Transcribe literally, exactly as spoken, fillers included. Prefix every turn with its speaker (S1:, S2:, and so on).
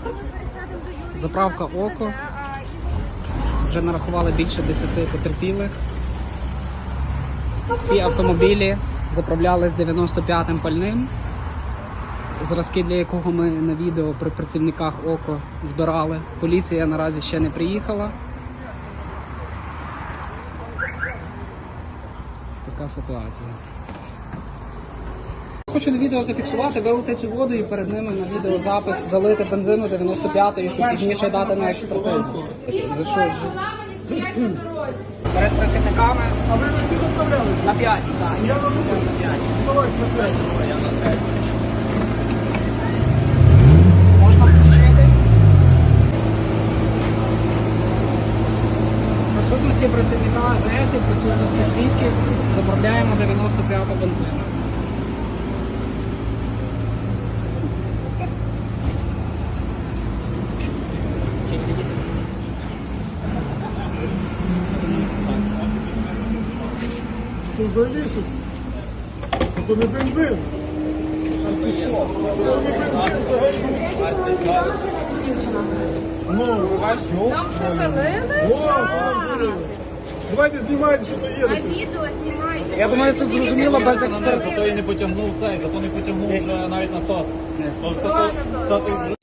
S1: Заправка «Око». Вже нарахували більше десяти потерпілих. Всі автомобілі заправляли з дев'яносто п'ятим пальним, зразки для якого ми на відео при працівниках «Око» збирали. Поліція наразі ще не приїхала. Така ситуація. Хочу на відео зафіксувати, вилити цю воду і перед ними на відеозапис залити бензину дев'яносто п'ятої, щоб пізніше дати на експертизу. Ви що ж? Перед працівниками.
S2: А ви на які заправлялися?
S1: На п'ять, так.
S2: Я на другу.
S1: На п'ять.
S2: Давайте на п'ять.
S1: Я на п'ять. Можна включити? В присутності працівника А З С і в присутності свідків заправляємо дев'яносто п'яту бензину.
S2: Це взагалі щось. Це не бензин. Це не бензин взагалі. Ну,
S3: Там все залили?
S2: О, там залили. Давайте знімайте, що то є.
S3: На відео знімайте.
S1: Я думаю, тут зрозуміло без експертизи.
S4: Зато і не потягнув цей, зато не потягнув вже навіть насос. Тобто, це той- це той